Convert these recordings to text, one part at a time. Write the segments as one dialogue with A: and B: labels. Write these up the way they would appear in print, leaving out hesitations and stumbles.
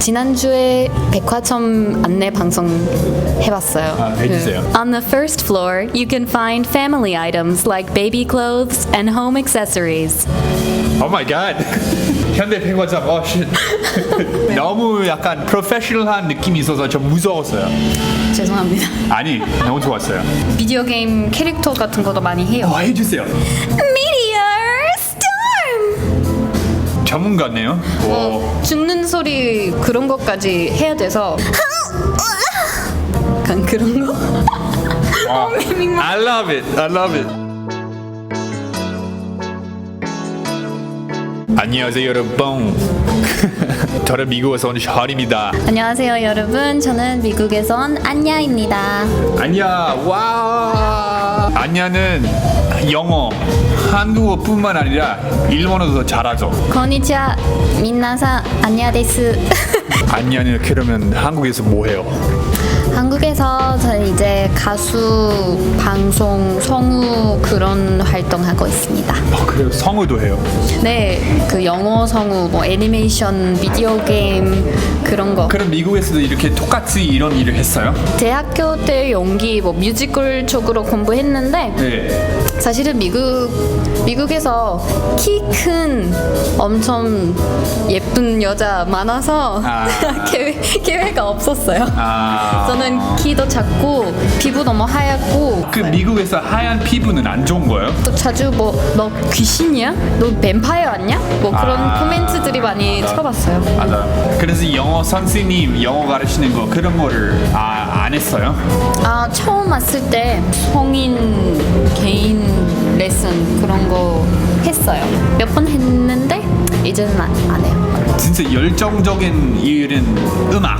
A: 지난주에 백화점 안내 방송 해봤어요.
B: 해주세요.
C: On the first floor, you can find family items like baby clothes and home accessories.
B: Oh my god. 현대 백화점. 쉣. 너무 약간 프로페셔널한 느낌이 있어서 좀 무서웠어요.
A: 죄송합니다.
B: 아니, 너무 좋았어요.
A: 비디오 게임 캐릭터 같은 것도 많이 해요.
B: 해주세요.
C: Meteor storm!
B: 전문가네요.
A: 죽는 소리 그런 것까지 해야 돼서 약간 그런 거?
B: I love it. I love it. 안녕하세요 여러분. 저는 미국에서 온 샤리입니다.
C: 안녕하세요, 여러분. 저는 미국에서 온 안야입니다.
B: 안야. 와. 안야는 영어, 한국어뿐만 아니라 일본어도 잘하죠.
C: konnichiwa, 민나사, 안야 데스.
B: 안야는 그러면 한국에서 뭐 해요?
C: 한국에서 저는 이제 가수, 방송, 성우 그런 활동하고 있습니다.
B: 그래요? 성우도 해요?
A: 네, 그 영어 성우, 뭐 애니메이션, 비디오 게임 그런 거.
B: 그럼 미국에서도 이렇게 똑같이 이런 일을 했어요?
A: 대학교 때 연기, 뭐 뮤지컬 쪽으로 공부했는데
B: 네.
A: 사실은 미국에서 키 큰 엄청 예쁜 여자 많아서 계획가 없었어요. 저는 키도 작고 피부 너무 하얗고.
B: 그 미국에서 하얀 피부는 안 좋은 거예요?
A: 또 자주 뭐 너 귀신이야? 너 뱀파이어 아니야? 뭐 그런 코멘트들이 많이 쳐봤어요.
B: 맞아요. 그래서 영어 선생님 영어 가르치는 거 그런 거를 안 했어요?
A: 처음 왔을 때 성인 개인 레슨 그런 거 했어요. 몇 번 했는데 이제는 안 해요.
B: 진짜 열정적인 일은 음악,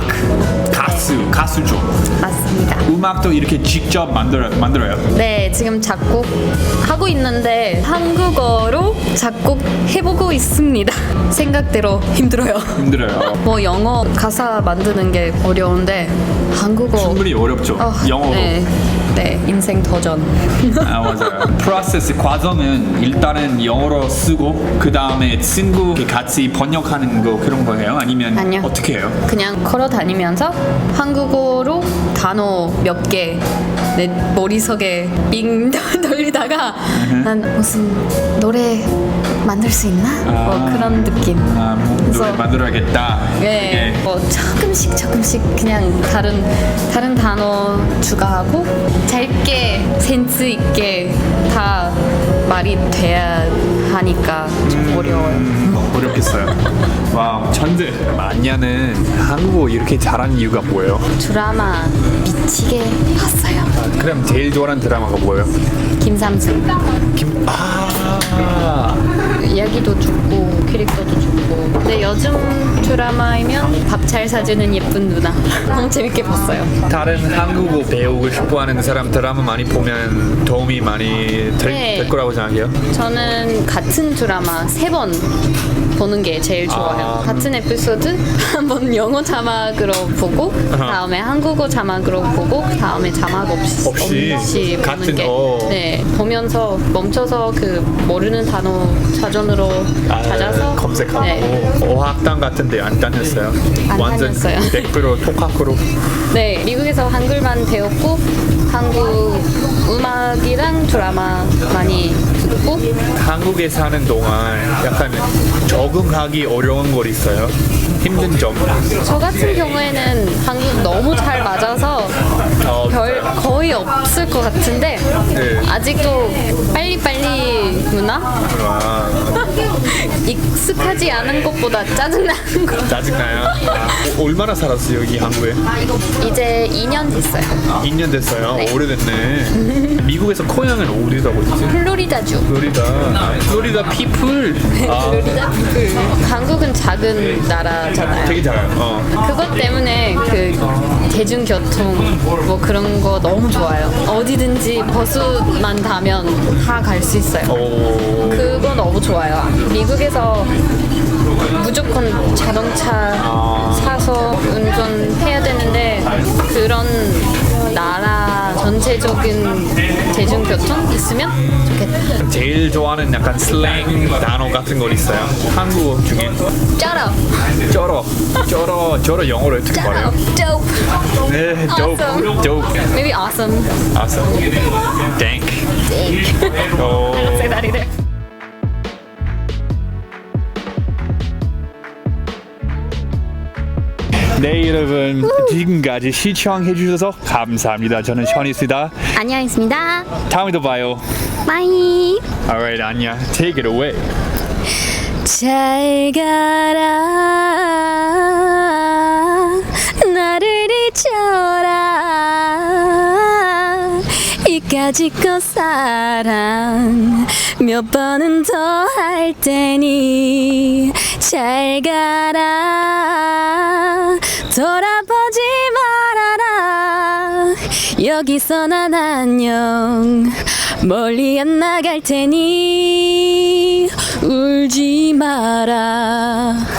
B: 가수죠.
A: 맞습니다.
B: 음악도 이렇게 직접 만들어요.
A: 네, 지금 작곡 하고 있는데 한국어로 작곡 해보고 있습니다. 생각대로 힘들어요. 뭐 영어 가사 만드는 게 어려운데 한국어
B: 충분히 어렵죠. 영어로.
A: 네, 인생 도전.
B: 맞아요. 프로세스 과정은 일단은 영어로 쓰고 그 다음에 친구 같이 번역하는 거 그런 거예요? 아니면
A: 아니요.
B: 어떻게 해요?
A: 그냥 걸어 다니면서 한국어로 단어 몇 개 내 머릿속에 빙 돌리다가 난 무슨 노래 만들 수 있나? 뭐 그런 느낌.
B: 노래 만들어야겠다.
A: 네, 뭐 조금씩 그냥 다른 단어 추가하고 짧게 센스 있게 다 말이 돼야 하니까 좀 어려워요.
B: 어렵겠어요. 와, 천재. 안야는 한국어 이렇게 잘하는 이유가 뭐예요?
A: 드라마 미치게 봤어요.
B: 그럼 제일 좋아하는 드라마가 뭐예요?
A: 김삼순. 이야기도 좋고 캐릭터도 좋고. 근데 요즘 드라마이면 밥 잘 사주는 예쁜 누나. 너무 재밌게 봤어요.
B: 다른 한국어 배우고 싶어하는 사람 드라마 많이 보면 도움이 많이 될 거라고 생각해요?
A: 저는 같은 드라마 3번 보는 게 제일 좋아요. 같은 에피소드 한번 영어 자막으로 보고 다음에 한국어 자막으로 보고 다음에 자막 없이 보는 게 네, 보면서 멈춰서 그 모르는 단어 사전으로 찾아서
B: 검색하고.
A: 네.
B: 어학당 같은데 안 다녔어요?
A: 안
B: 완전
A: 다녔어요.
B: 100% 독학으로.
A: 네, 미국에서 한글만 배웠고 한국 음악이랑 드라마 많이 듣고.
B: 한국에 사는 동안 약간 적응하기 어려운 거 있어요? 힘든 점?
A: 저 같은 경우에는 한국 너무 잘 맞아서 별 거의 없을 것 같은데 아직도 빨리빨리 문화? 익숙하지 않은 것보다 짜증나는 거.
B: 짜증나요? 얼마나 살았어요 여기 한국에?
A: 이제 2년 됐어요.
B: 2년 됐어요?
A: 네.
B: 오래됐네. 미국에서 고향은 어디라고 했지?
A: 플로리다주.
B: 플로리다 피플.
A: 플로리다 피플. 한국은 작은 나라잖아요.
B: 되게 잘해요.
A: 그것 때문에 그 대중교통 뭐 그런 거 너무 좋아요. 어디든지 버스만 타면 다 갈 수 있어요. 그거 너무 좋아요. 미국에서 무조건 자동차 사서 운전해야 되는데 그런 나라 전체 전체적인 대중교통 있으면 좋겠다.
B: 제일 좋아하는 약간 슬랭 단어 같은 거 있어요? 한국어 중에
A: 쩔어.
B: 쩔어 영어로 어떻게 말해요?
A: Dope.
B: 네, dope,
A: Awesome.
B: dope,
A: Maybe awesome.
B: awesome, dank. 어,
A: Say that either.
B: 네 여러분 지금까지 시청해 주셔서 감사합니다. 저는 션이스다.
A: 안녕했습니다.
B: 다음에도 봐요.
A: Bye.
B: Alright, 안녕. Take it away.
C: 잘 가라 나를 잊어라 이까짓 사랑 몇 번은 더 할 테니 잘 가라 돌아보지 말아라 여기서 난 안녕 멀리 안 나갈 테니 울지 마라